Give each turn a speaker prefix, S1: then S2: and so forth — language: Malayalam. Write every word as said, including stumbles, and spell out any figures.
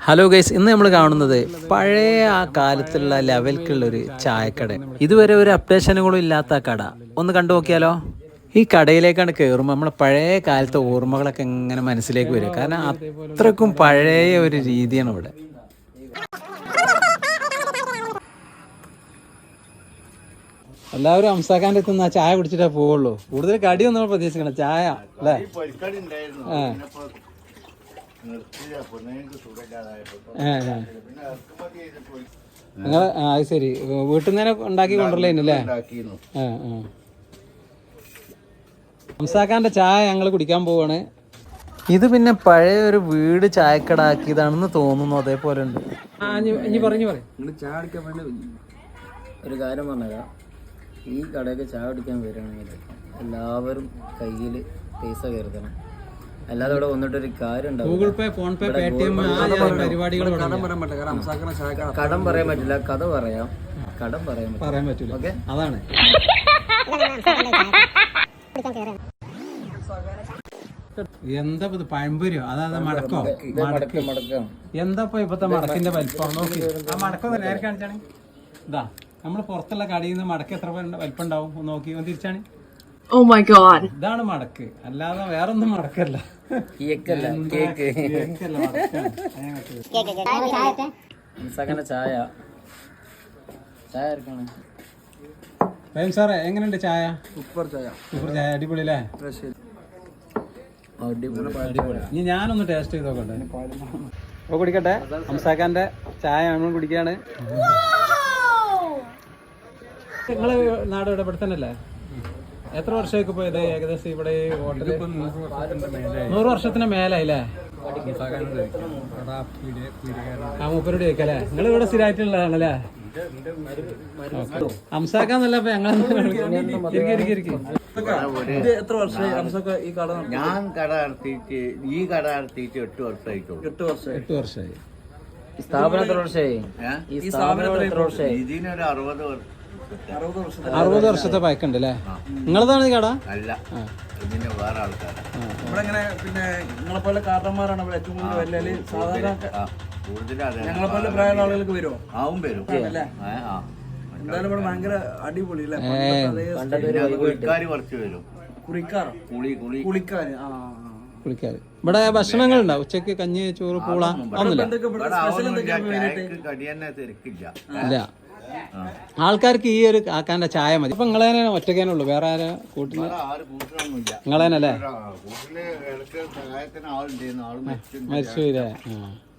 S1: ഹലോ ഗൈസ്, ഇന്ന് നമ്മൾ കാണുന്നത് പഴയ ആ കാലത്തുള്ള ലെവൽക്കുള്ളൊരു ചായക്കട. ഇതുവരെ ഒരു അപ്ഡേഷനുകളും ഇല്ലാത്ത കട. ഒന്ന് കണ്ടു നോക്കിയാലോ. ഈ കടയിലേക്കാണ് കയറുമ്പോൾ നമ്മളെ പഴയ കാലത്തെ ഓർമ്മകളൊക്കെ ഇങ്ങനെ മനസ്സിലേക്ക് വരും. കാരണം അത്രക്കും പഴയ ഒരു രീതിയാണ് ഇവിടെ. എല്ലാവരും ഹംസാഖാൻ്റെ എത്തുന്ന ചായ കുടിച്ചിട്ടേ പോവുള്ളൂ. കൂടുതൽ കടിയൊന്നും നമ്മൾ പ്രതീക്ഷിക്കണം, ചായ അല്ലേ? ആ നിങ്ങൾ ആ അത് ശരി, വീട്ടിൽ നിന്ന് തന്നെ ഉണ്ടാക്കി കൊണ്ടുവരലേനല്ലേ? ആ ആ ഹംസാഖാൻ്റെ ചായ ഞങ്ങൾ കുടിക്കാൻ പോവാണ്. ഇത് പിന്നെ പഴയ ഒരു വീട് ചായക്കട ആക്കിയതാണെന്ന് തോന്നുന്നു. അതേപോലെ ഉണ്ട്. പറഞ്ഞു പറയും ചായ കുടിക്കാൻ വേണ്ടി
S2: ഒരു കാര്യം പറഞ്ഞുതരാം. ഈ കടയൊക്കെ ചായ കുടിക്കാൻ വരികയാണെങ്കിൽ എല്ലാവരും കയ്യിൽ പൈസ കരുതണം, അല്ലാതെ ഇവിടെ വന്നിട്ടൊരു കാര്യം ഉണ്ടാവും.
S1: Google Pay, PhonePe, Paytm പരിപാടികൾ
S2: കടം പറയാൻ പറ്റില്ല, കഥ പറയാം. കടം പറയാൻ
S1: പറയാൻ പറ്റില്ല. ഓക്കെ, അതാണ്. എന്താ പഴംപൊരിയോ? അതായത് മടക്കോ?
S2: മടക്കം.
S1: എന്താ ഇപ്പത്തെ മടക്കിന്റെ വലിപ്പം നോക്കി. ആ മടക്കം നേരെ കാണിച്ചാണ്. ഇതാ നമ്മൾ പുറത്തുള്ള കടയിൽ നിന്ന് മടക്ക് എത്ര വലിപ്പം ഉണ്ടാവും ഒന്ന് നോക്കി, ഒന്ന് തിരിച്ചാണ്.
S3: Oh my god.
S1: ഇതാണ് മടക്ക്, അല്ലാതെ വേറൊന്നും മടക്കല്ല.
S2: ചായ ചായ
S1: സാറേ, എങ്ങനെയുണ്ട് ചായ?
S2: സൂപ്പർ ചായ.
S1: സൂപ്പർ ചായ, അടിപൊളി അല്ലേ? ഇനി ഞാനൊന്ന് ടേസ്റ്റ് ചെയ്ത് നോക്കട്ടെ. ഓ കുടിക്കട്ടെ. ഹംസാഖാന്റെ ചായ നമ്മൾ കുടിക്കുകയാണ്. നിങ്ങളെ നാട് ഇവിടെ ഇവിടെ തന്നെ അല്ലേ? എത്ര വർഷമൊക്കെ പോയത് ഏകദേശം ഇവിടെ ഹോട്ടലിൽ? നൂറ് വർഷത്തിന് മേലായില്ലേ? ആ മൂപ്പരോട് ചോദിക്കല്ലേ? നിങ്ങൾ ഇവിടെ സ്ഥിരമായിട്ടുള്ളതാണല്ലേ? ഹംസാഖാന്നല്ല അപ്പൊ ഞങ്ങൾ
S2: എത്ര വർഷമായി ഈ കട?
S4: ഞാൻ കട നടത്തിയിട്ട് ഈ കട നടത്തിയിട്ട് എട്ട് വർഷമായിട്ടുള്ളൂ.
S2: എട്ട് വർഷം
S1: എട്ട് വർഷമായി.
S2: സ്ഥാപനം എത്ര വർഷമായി? ഈ സ്ഥാപനം എത്ര വർഷമായി?
S4: ഇതിനൊരു അറുപത് വർഷം
S1: അറുപത് വർഷത്തെ പഴക്കുണ്ട് അല്ലേ? നിങ്ങളതാണ് ഈ കട?
S4: അല്ല, ഇതിന് വേറെ ആൾക്കാർ.
S2: ഇവിടെ പിന്നെ നിങ്ങളെ പോലെ കാരണന്മാരാണ് ഇവിടെ ഏറ്റവും കൂടുതൽ വലിയ സാധാരണ ഞങ്ങളെ പോലെ പ്രായമുള്ള ആളുകൾക്ക് വരുമോ?
S4: ആവും വരും.
S2: എന്തായാലും ഇവിടെ ഭയങ്കര അടിപൊളി
S4: കുളിക്കാര് കുറച്ച് വരും.
S2: കുളിക്കാറോ?
S4: കുളി കുളി
S2: കുളിക്കാര് ആ
S1: കുളിക്കാര്. ഇവിടെ ഭക്ഷണങ്ങൾ ഉണ്ടാവും, ഉച്ചക്ക് കഞ്ഞി, ചോറ്, പൂള ഒന്നുമില്ല.
S4: കടി തന്നെ തിരക്കില്ല.
S1: ഇല്ല, ആൾക്കാർക്ക് ഈ ഒരു കാക്കാന്റെ ചായ മതി. ഇപ്പൊ നിങ്ങളെ ഒറ്റക്കേനെ ഉള്ളു, വേറെ ആരാ കൂട്ടിന്? നിങ്ങളേനല്ലേ?
S4: മരിച്ചു
S1: മരിച്ചു.